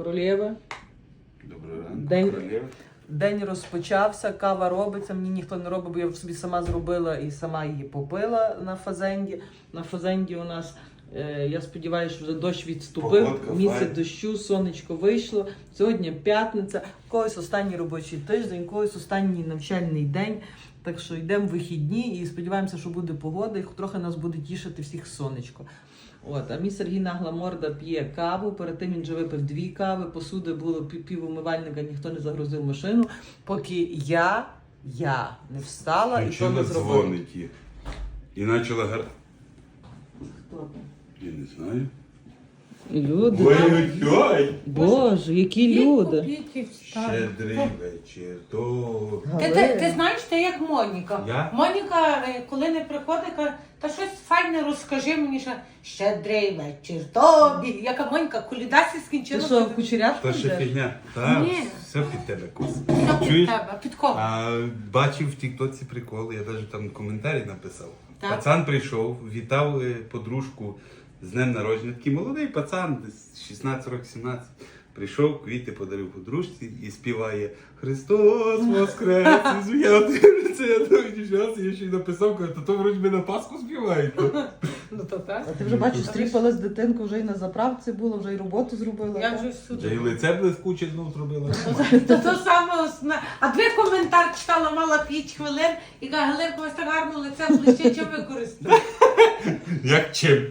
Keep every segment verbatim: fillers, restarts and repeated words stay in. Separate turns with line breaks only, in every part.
королєви.
Доброго ранку,
День,
королєви.
день розпочався, кава робиться, мені ніхто не робить, бо я собі сама зробила і сама її попила на фазенді. На фазенді у нас, е, я сподіваюся, що вже дощ відступив,
Погодка
місяць
файна.
дощу, сонечко вийшло. Сьогодні п'ятниця, в когось останній робочий тиждень, в когось останній навчальний день. Так що йдемо в вихідні і сподіваємося, що буде погода, і трохи нас буде тішити всіх сонечко. От, а мій Сергій нагла морда п'є каву, перед тим він вже випив дві кави, посуди було пів, пів умивальника, ніхто не загрузив машину, поки я, я не встала і то не
Включила
зробила.
дзвоники. І почала гар...
Хто там?
Я не знаю.
Люди.
Ой-ой-ой!
Боже, які люди.
Щедрий вечір. То...
Ти, ти, ти знаєш, ти як Моніка.
Я?
Моніка, е, коли не приходить, каже, та щось файне розкажи мені, що щедрий вечір тобі. Яка Моніка, колідасі
Ти
скінчила.
що, в кучерявку
То ще
йдеш?
фігня. Та,
Ні.
все під тебе, кус.
Що під
Чуєш?
тебе? Під кого?
А, бачив в тіктоці прикол, я навіть там коментарі написав.
Так.
Пацан прийшов, вітав е, подружку з днем народження. Такий молодий пацан, десь шістнадцять років, сімнадцять. Прийшов, квіти подарив подружці і співає Христос Воскрес! І я дивлюся, я думаю, дівчата, я ще й написав, кажу, то то вроді би на Пасху співають.
Ну то так.
А ти вже бачиш, стріпала з дитинку, вже і на заправці була, вже і роботу зробила.
Я
так?
вже
Вже і
сюди.
лице блискуче знов зробила.
То то саме основне. А дві коментар читала, мала п'ять хвилин і каже, Галинко, ось так гарно лице ближче, чим ви користуєтесь?
Як чим?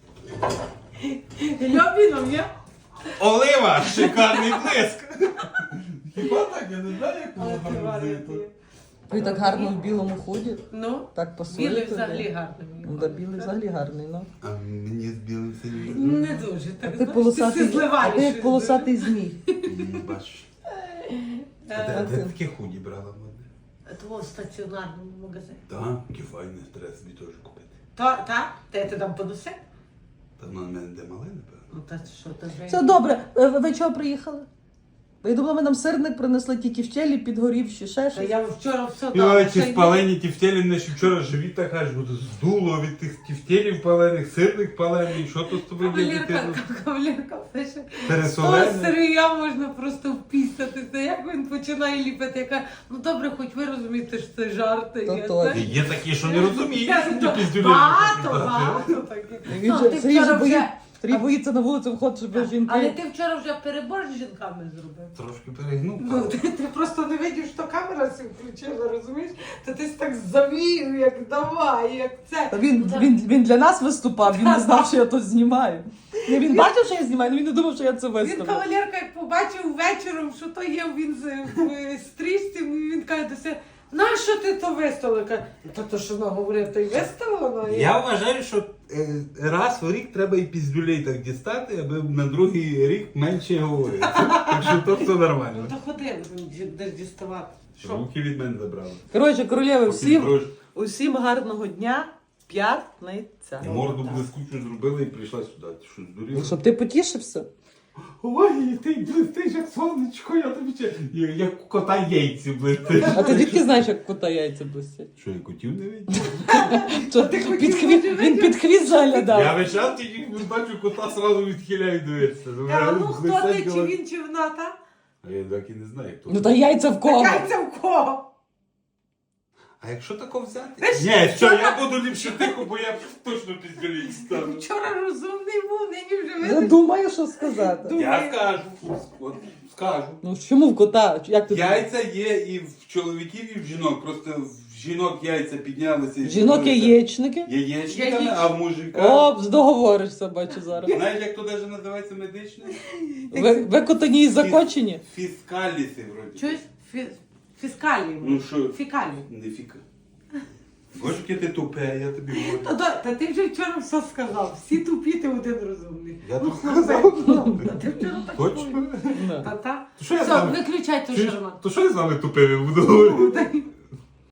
Льобіном, є?
Олива! Шикарний блиск! Хіба так? Я не знаю, як воно гармонізує.
Ви так гарно в білому худі,
Ну,
так пасує.
білий
тобі.
взагалі гарний.
Ну, да, білий взагалі гарний, ну.
А мені з білим синім.
Не дуже, так
Ти
знаєш,
полосатий,
ти зливаєш.
а ти як
щось
полосатий змій.
Бачиш. А
дуже.
де, де таке худі брала модне?
Е, Того в стаціонарному магазині.
Так, який файний, треба собі теж купити.
Та, та, та я ти там понесе?
Та воно в мене де мале, напевно.
Ну та що, та вже...
Все добре, Е, ви чого приїхали? Я думала, ми нам сирник принесли тільки в челі, підгорівши, ще
Та
щось.
я вчора все
Йой,
дала.
ці спалені тівтєлі, мене ще вчора живіт так аж буде здуло від тих тівтєлів палених, сирних палених, що то з тобою є
Кавалерка,
дитину?
кавалерка пише. Того
Пересолене?
сирія можна просто впістатися. Як він починає ліпити, яка, ну добре, хоч ви розумієте, що це жарти.
То
є,
точно.
це-
Є такі, що не розуміють,
Я
що
то-
ті піздюлі.
Багато, багато таких.
Він
Ну,
же-
ти
Сергій же
вчора
боїться-
вже-
Сергій боїться на вулицю виходити, щоб
Так,
жінки...
Але ти вчора вже перебор з жінками зробив.
Трошки перегнув.
Ну, ти, ти просто не видів, що камера сі включила, розумієш? Та ти так завів, як давай, як це.
Та Він,
Ну, так.
він, він для нас виступав, він не знав, що я тут знімаю. Ні, Він бачив, що я знімаю, але він не думав, що я це
Він
виставлю.
кавалерка, як побачив вечором, що то є він з- в стрічці, він каже до себе, нащо ти то виставила? Каже, та то що вона говорить, то й виставила. Ну,
Я вважаю, що е, раз в рік треба і піздюлей так дістати, аби на другий рік менше говорити. Так що то все
Ну
нормально.
то ходи, десь діставати. Що?
Руки від мене забрали.
Коротше, королєви, всім,
Поки
усім гарного дня, п'ятниця.
морду блискучу зробила і прийшла сюди. Ти що, здуріла?
Щоб ти потішився.
Ой, ти блистиш як сонечко, я тобі ще... Як у кота яйці блистиш.
А ти звідки знаєш, як кота яйця блистять?
Що, я котів не видів?
Що,
ти хотів
під хвіст,
бути
він під хвіст заглядав.
Я весь час тільки бачу кота, сразу відхиляю дивитися.
А ну хто ти, чи він, чи вона, та?
А я так і не знаю, хто.
Ну та яйця в кого?
Яйця в кого?
А якщо тако взяти?
Ти ж
Ні, що,
вчора-
я буду ліпше тихо, бо я точно піздюлей стану.
Вчора розумний був, нині вже
Я
видиш.
думаю, що сказати.
Я скажу, от, скажу.
Ну чому в кота? Як ти
Яйця є і в чоловіків, і в жінок. Просто в жінок яйця піднялися. і
Жінок
зробилися
яєчники?
Яєчниками,
Яєч-
а в мужика...
О, договоришся, бачу зараз.
Знаєш, як то навіть називається медичне?
Ви, ви котані і закочені?
Фіскаліси, вроді.
Чуєш? Фі- Фіскалії.
Ну що?
Фікалії.
Не фіка. Боже, яке ти тупе, я тобі говорю.
Та, та, та ти вже вчора все сказав. Всі тупі, ти один розумний.
Я
Ну,
тут
ну,
сказав.
ну, та ти вчора так
Точно?
сказав.
Да.
Та, та.
То що я з
Все,
вами?
виключай ту
Чуєш?
шарман.
То що я з вами тупими буду говорити?
Та-